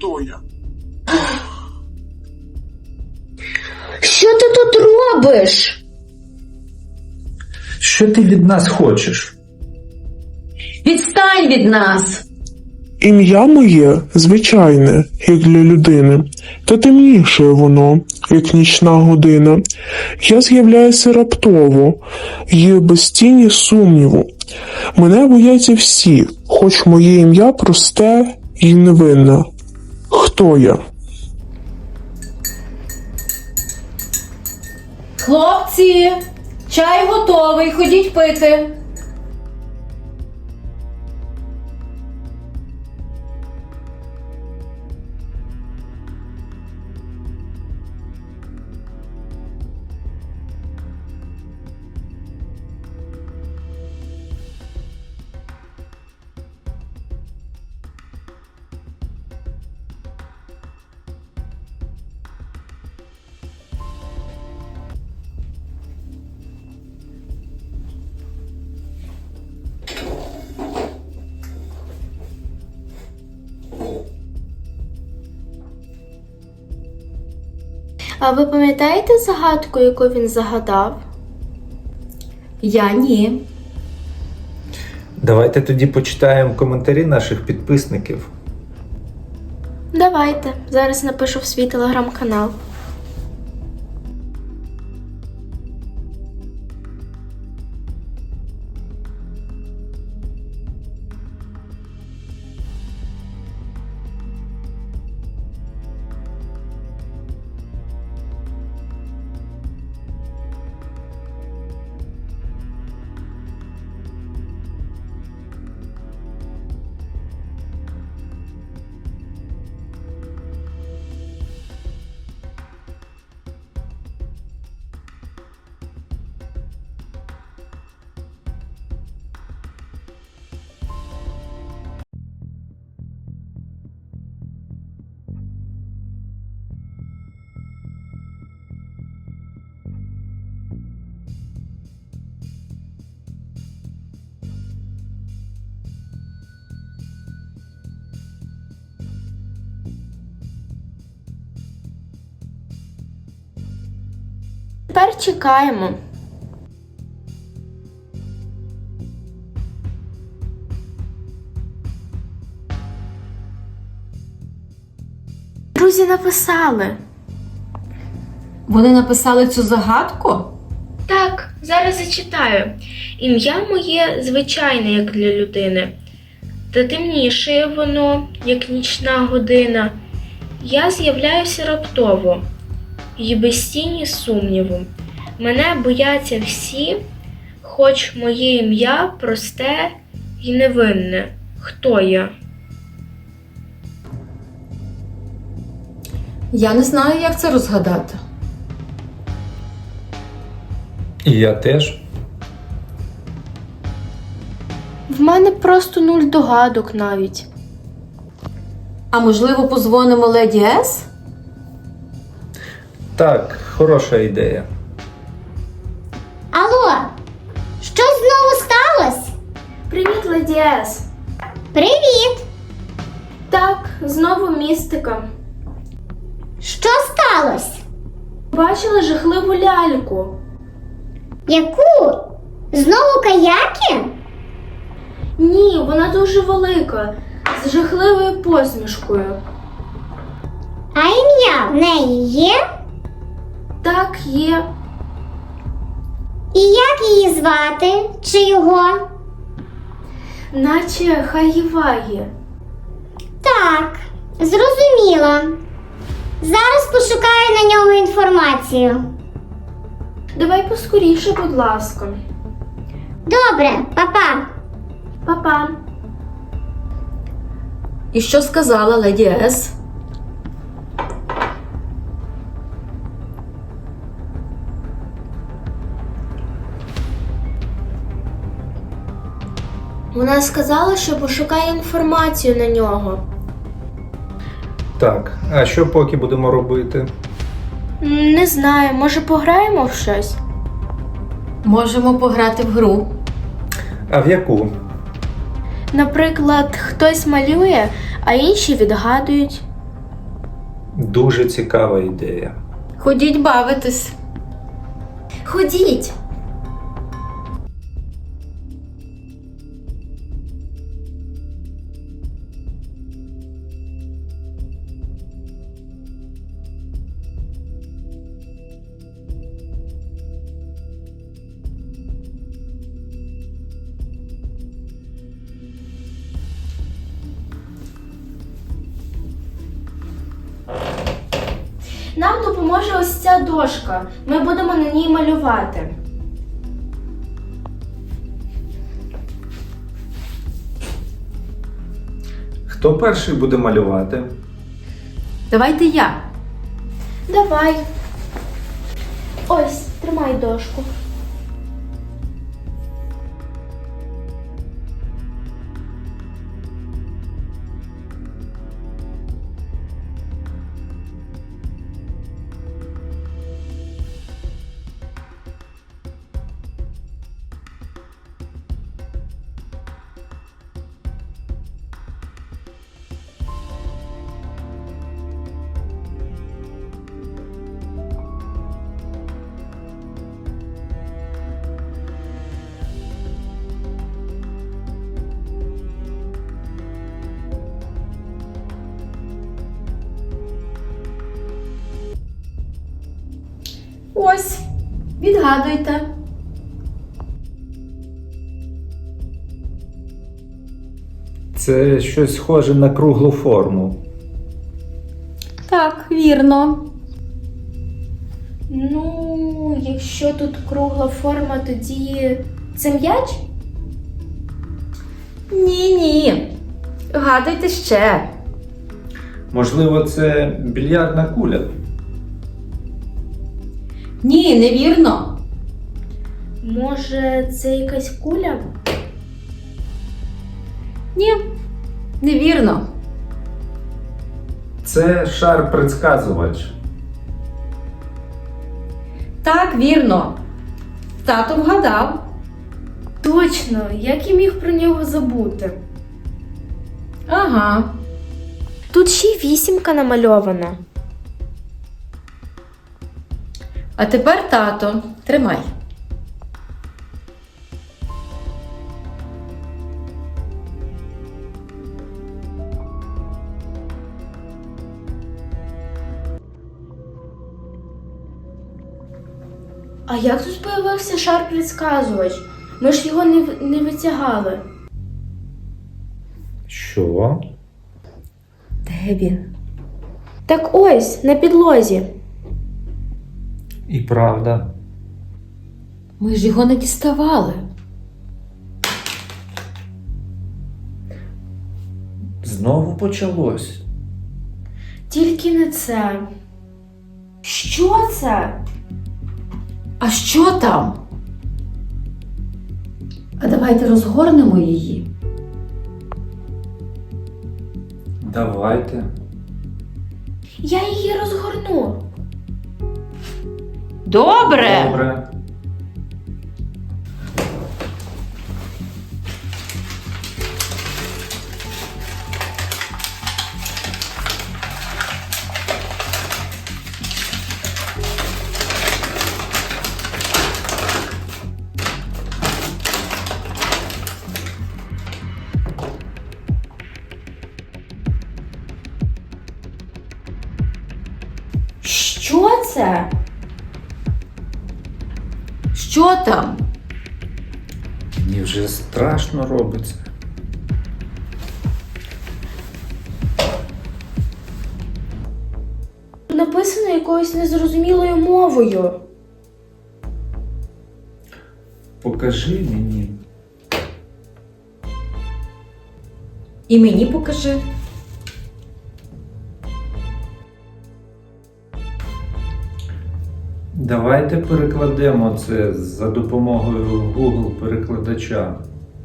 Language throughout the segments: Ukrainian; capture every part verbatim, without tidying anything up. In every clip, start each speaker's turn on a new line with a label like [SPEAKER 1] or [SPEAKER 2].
[SPEAKER 1] хто я.
[SPEAKER 2] Що ти тут робиш?
[SPEAKER 3] Що ти від нас хочеш?
[SPEAKER 2] Відстань від нас!
[SPEAKER 1] Ім'я моє звичайне, як для людини, та темніше воно, як нічна година. Я з'являюся раптово, і без тіні сумніву. Мене бояться всі, хоч моє ім'я просте і невинне. Хто я?
[SPEAKER 2] Хлопці, чай готовий, ходіть пити.
[SPEAKER 4] А ви пам'ятаєте загадку, яку він загадав?
[SPEAKER 2] Я ні.
[SPEAKER 3] Давайте тоді почитаємо коментарі наших підписників.
[SPEAKER 4] Давайте. Зараз напишу в свій телеграм-канал. Тепер чекаємо. Друзі написали.
[SPEAKER 2] Вони написали цю загадку?
[SPEAKER 4] Так, зараз зачитаю. Ім'я моє звичайне, як для людини. Та темніше воно, як нічна година. Я з'являюся раптово, і без тіні сумніву. Мене бояться всі, хоч моє ім'я просте і невинне. Хто я?
[SPEAKER 2] Я не знаю, як це розгадати.
[SPEAKER 3] І я теж.
[SPEAKER 4] В мене просто нуль догадок навіть.
[SPEAKER 2] А можливо, позвонимо леді Ес?
[SPEAKER 3] Так, хороша ідея.
[SPEAKER 5] Алло, щось знову сталося?
[SPEAKER 4] Привіт, леді Ес.
[SPEAKER 5] Привіт!
[SPEAKER 4] Так, знову містика.
[SPEAKER 5] Що сталося?
[SPEAKER 4] Бачила жахливу ляльку.
[SPEAKER 5] Яку? Знову каяки?
[SPEAKER 4] Ні, вона дуже велика, з жахливою посмішкою.
[SPEAKER 5] А ім'я в неї є?
[SPEAKER 4] Так, є.
[SPEAKER 5] І як її звати? Чи його?
[SPEAKER 4] Наче Хаїває.
[SPEAKER 5] Так, зрозуміло. Зараз пошукаю на нього інформацію.
[SPEAKER 4] Давай поскоріше, будь ласка.
[SPEAKER 5] Добре, па-па.
[SPEAKER 4] Па-па.
[SPEAKER 2] І що сказала леді Ес?
[SPEAKER 4] Вона сказала, що пошукає інформацію на нього.
[SPEAKER 3] Так, а що поки будемо робити?
[SPEAKER 4] М, Не знаю, може пограємо в щось?
[SPEAKER 2] Можемо пограти в гру.
[SPEAKER 3] А в яку?
[SPEAKER 4] Наприклад, хтось малює, а інші відгадують.
[SPEAKER 3] Дуже цікава ідея.
[SPEAKER 2] Ходіть бавитись.
[SPEAKER 4] Ходіть. Нам допоможе ось ця дошка. Ми будемо на ній малювати.
[SPEAKER 3] Хто перший буде малювати?
[SPEAKER 2] Давайте я.
[SPEAKER 4] Давай. Ось, тримай дошку.
[SPEAKER 2] Ось. Відгадуйте.
[SPEAKER 3] Це щось схоже на круглу форму.
[SPEAKER 2] Так, вірно.
[SPEAKER 4] Ну, якщо тут кругла форма, тоді це м'яч?
[SPEAKER 2] Ні-ні. Гадуйте ще.
[SPEAKER 3] Можливо, це більярдна куля.
[SPEAKER 2] Ні, невірно.
[SPEAKER 4] Може, це якась куля?
[SPEAKER 2] Ні, невірно.
[SPEAKER 3] Це шар-предсказувач.
[SPEAKER 2] Так, вірно. Тато вгадав.
[SPEAKER 4] Точно, як я міг про нього забути?
[SPEAKER 2] Ага.
[SPEAKER 4] Тут ще й вісімка намальована.
[SPEAKER 2] А тепер тато. Тримай.
[SPEAKER 4] А як тут появився шар-предсказувач? Ми ж його не, в- не витягали.
[SPEAKER 3] Що?
[SPEAKER 2] Де він?
[SPEAKER 4] Так ось, на підлозі.
[SPEAKER 3] І правда.
[SPEAKER 2] Ми ж його не діставали.
[SPEAKER 3] Знову почалось.
[SPEAKER 4] Тільки не це. Що це?
[SPEAKER 2] А що там? А давайте розгорнемо її.
[SPEAKER 3] Давайте.
[SPEAKER 4] Я її розгорну.
[SPEAKER 2] Добре.
[SPEAKER 3] Добре.
[SPEAKER 4] Що це?
[SPEAKER 2] Що там?
[SPEAKER 3] Мені вже страшно робиться.
[SPEAKER 4] Написано якоюсь незрозумілою мовою.
[SPEAKER 3] Покажи мені.
[SPEAKER 2] І мені покажи.
[SPEAKER 3] Давайте перекладемо це за допомогою Google перекладача.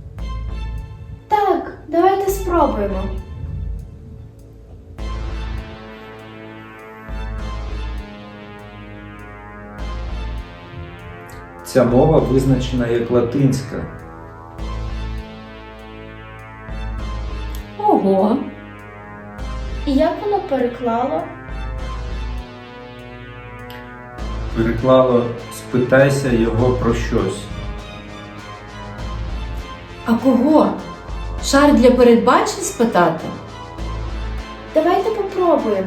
[SPEAKER 4] Так, давайте спробуємо.
[SPEAKER 3] Ця мова визначена як латинська.
[SPEAKER 2] Ого.
[SPEAKER 4] І як воно переклало?
[SPEAKER 3] переклало «спитайся його про щось».
[SPEAKER 2] А кого? Шар для передбачень спитати?
[SPEAKER 4] Давайте попробуємо.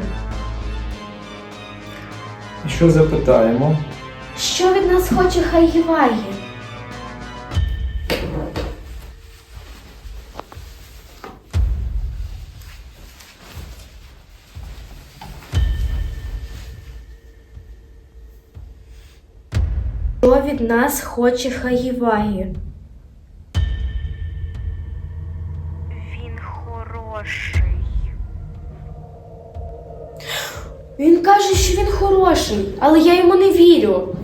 [SPEAKER 3] І що запитаємо?
[SPEAKER 4] Що від нас хоче Хайгівагі? Що від нас хоче Хайгівагі?
[SPEAKER 6] Він хороший.
[SPEAKER 4] Він каже, що він хороший, але я йому не вірю.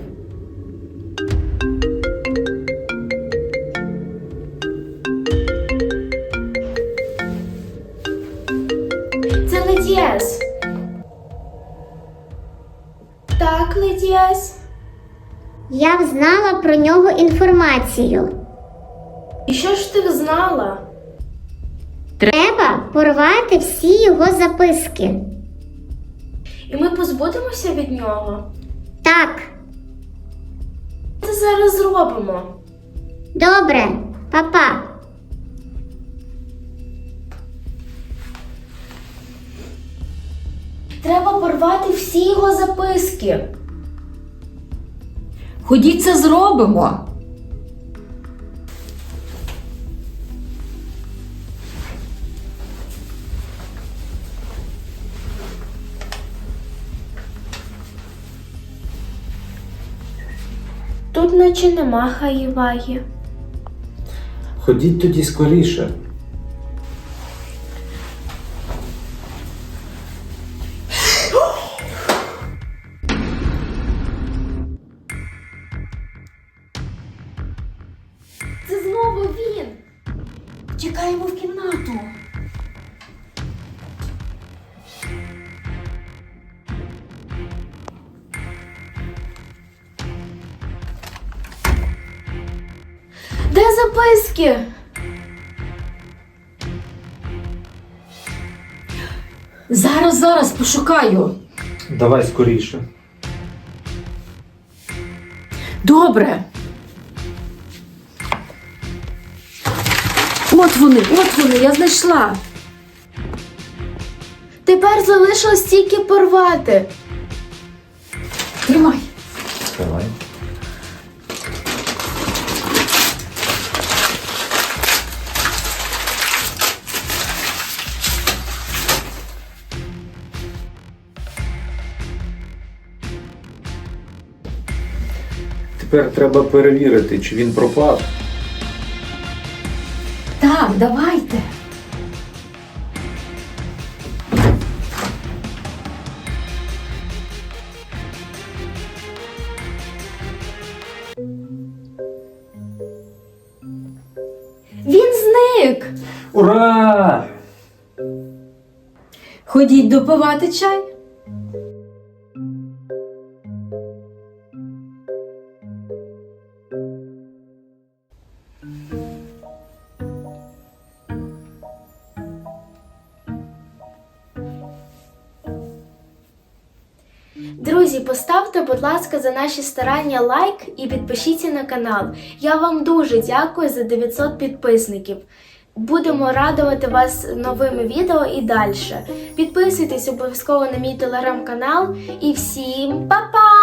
[SPEAKER 4] Це Леді Ес. Так, Леді Ес.
[SPEAKER 5] Я взнала про нього інформацію.
[SPEAKER 4] І що ж ти знала?
[SPEAKER 5] Треба порвати всі його записки.
[SPEAKER 4] І ми позбудемося від нього?
[SPEAKER 5] Так,
[SPEAKER 4] Це зараз зробимо.
[SPEAKER 5] добре, па-па.
[SPEAKER 4] Треба порвати всі його записки.
[SPEAKER 2] Ходіть, це зробимо.
[SPEAKER 4] Тут наче нема Хайгівагі.
[SPEAKER 3] Ходіть тоді скоріше.
[SPEAKER 4] Це знову він.
[SPEAKER 2] Тікаємо в кімнату.
[SPEAKER 4] Де записки?
[SPEAKER 2] Зараз, зараз пошукаю.
[SPEAKER 3] Давай скоріше.
[SPEAKER 2] Добре. От вони, от вони, я знайшла.
[SPEAKER 4] Тепер залишилось тільки порвати.
[SPEAKER 2] Тримай.
[SPEAKER 3] Давай. Тепер треба перевірити, чи він пропав.
[SPEAKER 2] Так, давайте.
[SPEAKER 4] Він зник.
[SPEAKER 3] Ура!
[SPEAKER 2] Ходіть допивати чай.
[SPEAKER 4] Друзі, поставте, будь ласка, за наші старання лайк і підпишіться на канал. Я вам дуже дякую за дев'ятсот підписників. Будемо радувати вас новими відео і далі. Підписуйтесь обов'язково на мій телеграм-канал. І всім па-па!